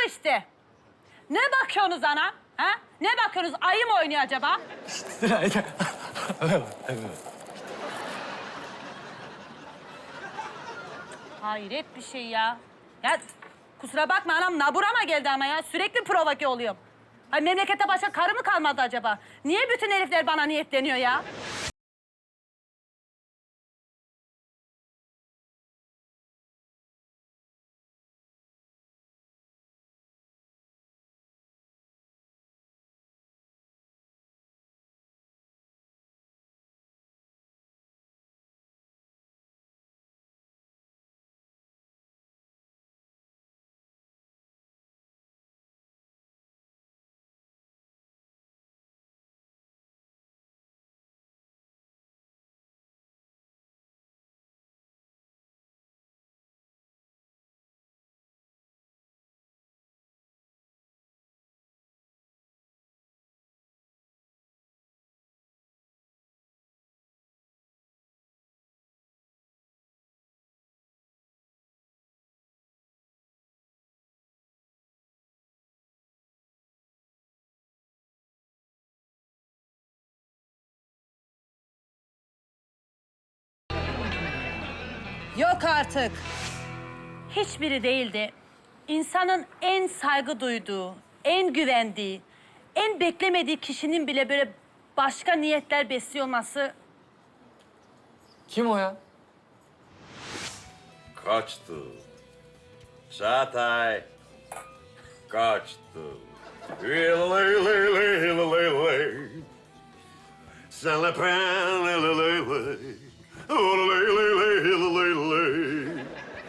işte. Ne bakıyorsunuz ana? Ha? Ne bakıyorsunuz? Ayı mı oynuyor acaba? Hayret bir şey ya. Ya kusura bakma anam, naburama geldi ama ya. Sürekli provoke oluyorum. Ay memlekette başka karı mı kalmadı acaba? Niye bütün herifler bana niyetleniyor ya? Yok artık. Hiçbiri değildi. İnsanın en saygı duyduğu, en güvendiği, en beklemediği kişinin bile böyle başka niyetler besliyor olması... Kim o ya? Kaçtı. Çağatay. Kaçtı. Lay lay lay lay lay. Sen la pren lay lay lay. Lay lay lay lay lay.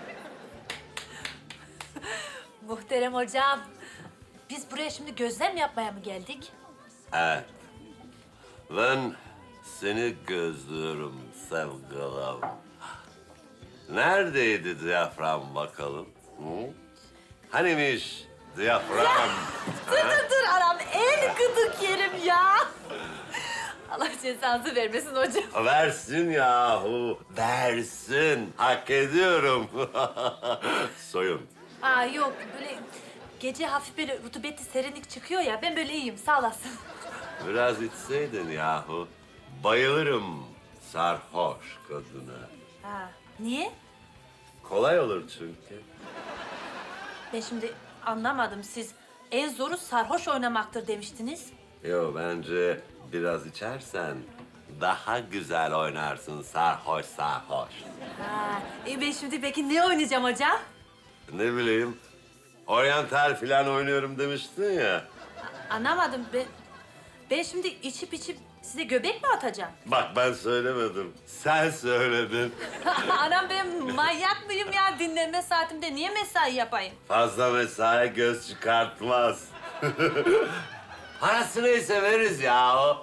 Muhterem hocam, biz buraya şimdi gözlem yapmaya mı geldik? Evet. Ben seni gözlüyorum sevgilim. Neredeydi diyafram bakalım? Hı? Hanimiş diyafram? Dur anam, en gıdık yerim ya. Allah cezanızı vermesin hocam. Versin yahu, versin. Hak ediyorum. Soyun. Aa yok, böyle gece hafif böyle rutubetli serinlik çıkıyor ya, ben böyle iyiyim, sağ olasın. Biraz içseydin yahu. Bayılırım sarhoş kadına. Ha, niye? Kolay olur çünkü. Ben şimdi anlamadım, siz en zoru sarhoş oynamaktır demiştiniz. Yo, bence biraz içersen daha güzel oynarsın sarhoş sarhoş. Ha, ben şimdi peki ne oynayacağım hocam? Ne bileyim, oryantal falan oynuyorum demiştin ya. Anlamadım, ben şimdi içip size göbek mi atacağım? Bak ben söylemedim, sen söyledin. Anam ben manyak mıyım ya? Dinlenme saatimde niye mesai yapayım? Fazla mesai göz çıkartmaz. Parası neyse veririz ya.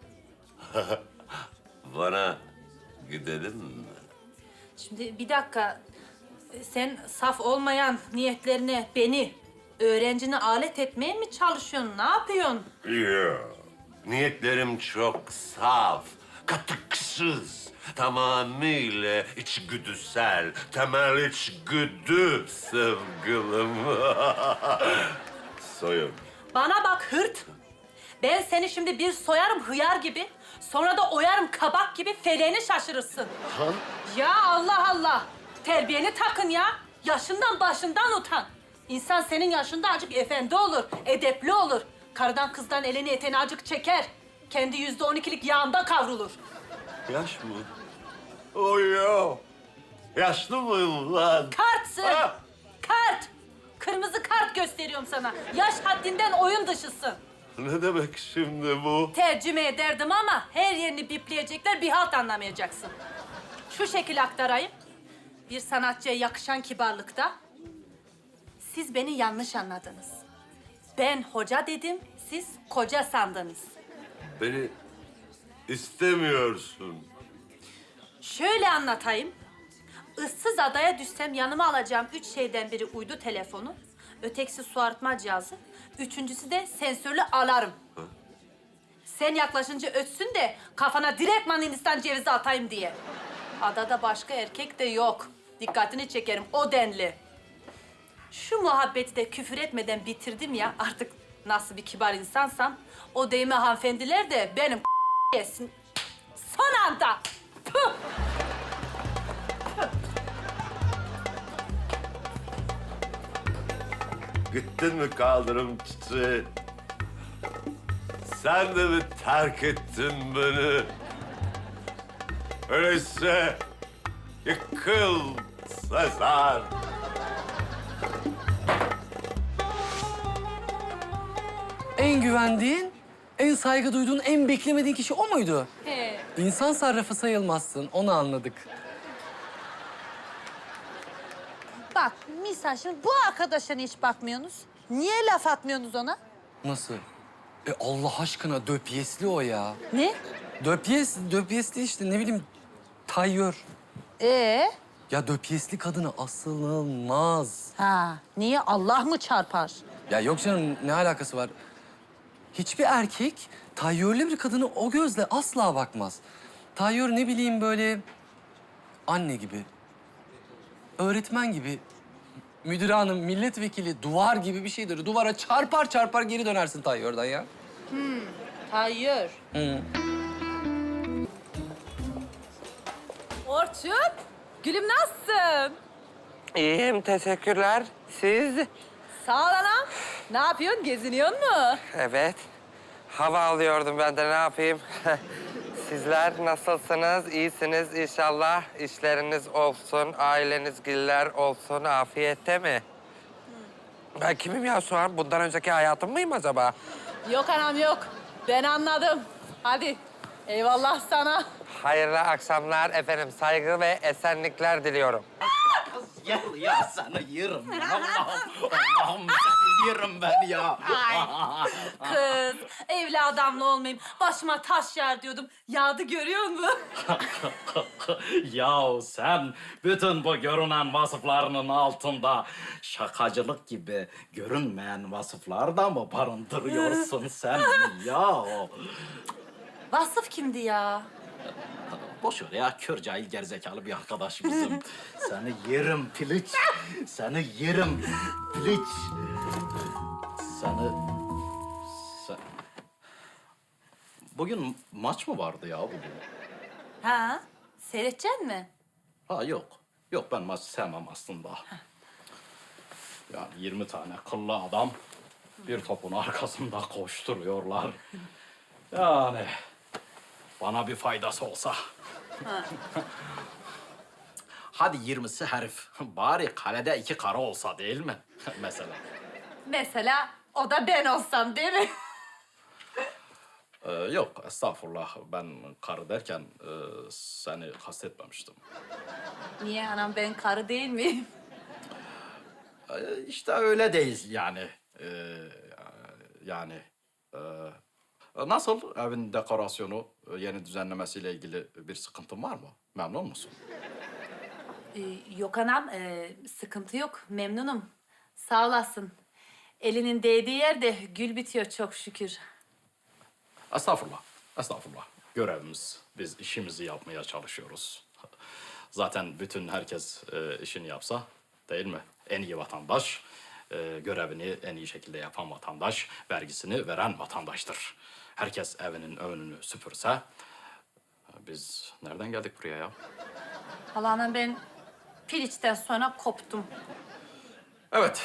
Bana gidelim mi? Şimdi bir dakika. Sen saf olmayan niyetlerine beni, öğrencini alet etmeye mi çalışıyorsun? Ne yapıyorsun? Yok. Niyetlerim çok saf, katıksız, tamamıyla içgüdüsel, temel içgüdü sevgilim. Soyun. Bana bak hırt. Ben seni şimdi bir soyarım hıyar gibi. Sonra da oyarım kabak gibi feleğini şaşırırsın. Ya Allah Allah. Terbiyeni takın ya. Yaşından başından utan. İnsan senin yaşında acık efendi olur, edepli olur. Karıdan kızdan elini eteğini acık çeker. Kendi %12'lik yağında kavrulur. Yaş mı? Oy ya. Yaşlı mıyım lan? Kartsın. Ah! Kart. Kırmızı kart gösteriyorum sana. Yaş haddinden oyun dışısın. Ne demek şimdi bu? Tercüme ederdim ama her yerini bipleyecekler, bir halt anlamayacaksın. Şu şekil aktarayım. Bir sanatçıya yakışan kibarlıkta. Siz beni yanlış anladınız. Ben hoca dedim, siz koca sandınız. Beni istemiyorsun. Şöyle anlatayım. Issız adaya düşsem yanıma alacağım 3 şeyden biri uydu telefonu. Ötekisi su arıtma cihazı. Üçüncüsü de sensörlü alarm. Sen yaklaşınca ötsün de kafana direktman Hindistan cevizi atayım diye. Adada başka erkek de yok. Dikkatini çekerim o denli. Şu muhabbeti de küfür etmeden bitirdim ya. Artık nasıl bir kibar insansam o değme hanımefendiler de benim yesin. Son anda. Puh! Gittin mi kaldırım çiçeği? Sen de mi terk ettin beni? Öyleyse yıkıl Sezar. En güvendiğin, en saygı duyduğun, en beklemediğin kişi o muydu? He. İnsan sarrafı sayılmazsın, onu anladık. Bak misal şimdi bu arkadaşa hiç bakmıyorsunuz. Niye laf atmıyorsunuz ona? Nasıl? Allah aşkına döpyesli o ya. Ne? Döpyesli işte ne bileyim tayyör. Ya döpyesli kadına asılılmaz. Ha, niye Allah mı çarpar? Ya yok canım ne alakası var? Hiçbir erkek tayyörlü bir kadını o gözle asla bakmaz. Tayyör ne bileyim böyle anne gibi, öğretmen gibi, müdür hanım, milletvekili, duvar gibi bir şeydir. Duvara çarpar çarpar geri dönersin tayyörden ya. Hayır. Hı. Orçun, gülüm nasılsın? İyiyim, teşekkürler. Siz? Sağ ol anam. Ne yapıyorsun? Geziniyor mu? Evet. Hava alıyordum ben de ne yapayım? Sizler nasılsınız? İyisiniz inşallah. İşleriniz olsun, aileniz giller olsun. Afiyette mi? Ben kimim ya şu an? Bundan önceki hayatım mıyım acaba? Yok anam yok. Ben anladım. Hadi. Eyvallah sana. Hayırlı akşamlar efendim. Saygı ve esenlikler diliyorum. Ya seni yerim ya. Allah'ım seni yerim ben ya. Kız, evli adamla olmayayım. Başıma taş yer diyordum. Yağdı görüyor musun? Ya sen bütün bu görünen vasıflarının altında şakacılık gibi görünmeyen vasıflar da mı barındırıyorsun sen ya? Vasıf kimdi ya? Boş ver ya, kör cahil gerizekalı bir arkadaş bizim. Seni yerim piliç, seni yerim piliç. Seni... Bugün maç mı vardı ya bugün? Ha? Seyredecek mi? Ha yok. Yok ben maç sevmem aslında. Yani 20 tane kıllı adam bir topun arkasında koşturuyorlar. Yani bana bir faydası olsa. Hadi 20'si herif. Bari kalede 2 kara olsa değil mi? Mesela. Mesela o da ben olsam değil mi? Yok estağfurullah. Ben karı derken seni kastetmemiştim. Niye anam ben karı değil miyim? İşte öyle değil yani. Yani... Nasıl evin dekorasyonu, yeni düzenlemesiyle ilgili bir sıkıntın var mı? Memnun musun? Yok anam, sıkıntı yok. Memnunum. Sağ olasın. Elinin değdiği yerde gül bitiyor çok şükür. Estağfurullah, estağfurullah. Görevimiz, biz işimizi yapmaya çalışıyoruz. Zaten bütün herkes işini yapsa, değil mi? En iyi vatandaş, görevini en iyi şekilde yapan vatandaş, vergisini veren vatandaştır. Herkes evinin önünü süpürse, biz nereden geldik buraya ya? Vallahi anam ben piliçten sonra koptum. Evet,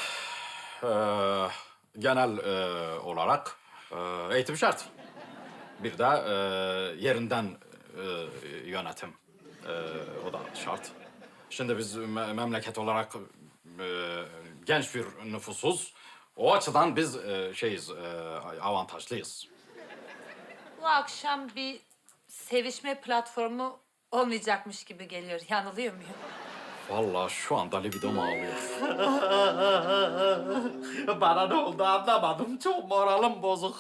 genel olarak eğitim şart. Bir de yerinden yönetim, o da şart. Şimdi biz memleket olarak genç bir nüfusuz. O açıdan biz avantajlıyız. Bu akşam bir sevişme platformu olmayacakmış gibi geliyor. Yanılıyor muyum? Vallahi şu anda libidom ağlıyor. Bana ne oldu anlamadım. Çok moralim bozuk.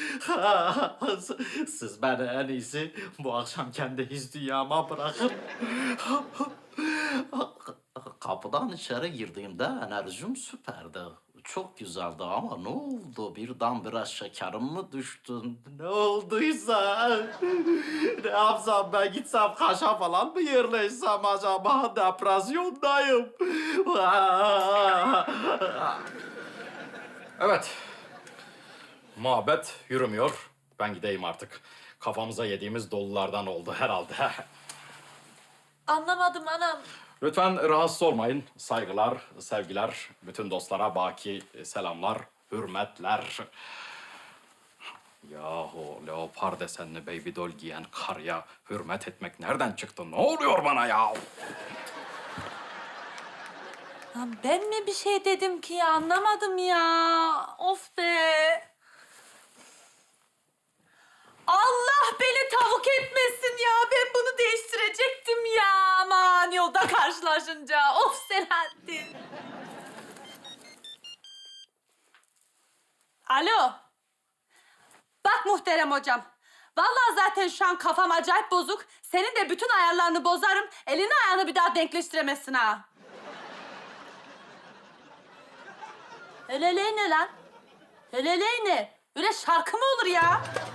Siz beni en iyisi bu akşam kendi his dünyama bırakın. Kapıdan içeri girdiğimde enerjim süperdi. çok güzeldi ama ne oldu? Birden biraz şekerim mi düştün? Ne olduysa? Ne yapsam ben gitsem kaşa falan mı yerleşsem acaba? Depresyondayım. Evet. Muhabbet yürümüyor. Ben gideyim artık. Kafamıza yediğimiz dolulardan oldu herhalde. Anlamadım anam. Lütfen rahatsız olmayın. Saygılar, sevgiler. Bütün dostlara baki selamlar, hürmetler. Yahu leopar desenli baby doll giyen karıya hürmet etmek nereden çıktı? Ne oluyor bana ya? Ya ben mi bir şey dedim ki ya? Anlamadım ya. Of be. Allah beni tavuk etmesin ya. Ben bunu değiştirecektim ya. Aman yolda karşılaşınca. Of Selahattin. Alo. Bak muhterem hocam. Vallahi zaten şu an kafam acayip bozuk. Senin de bütün ayarlarını bozarım. Elini ayağını bir daha denkleştiremezsin ha. Heleley ne lan? Heleley ne? Öyle şarkı mı olur ya?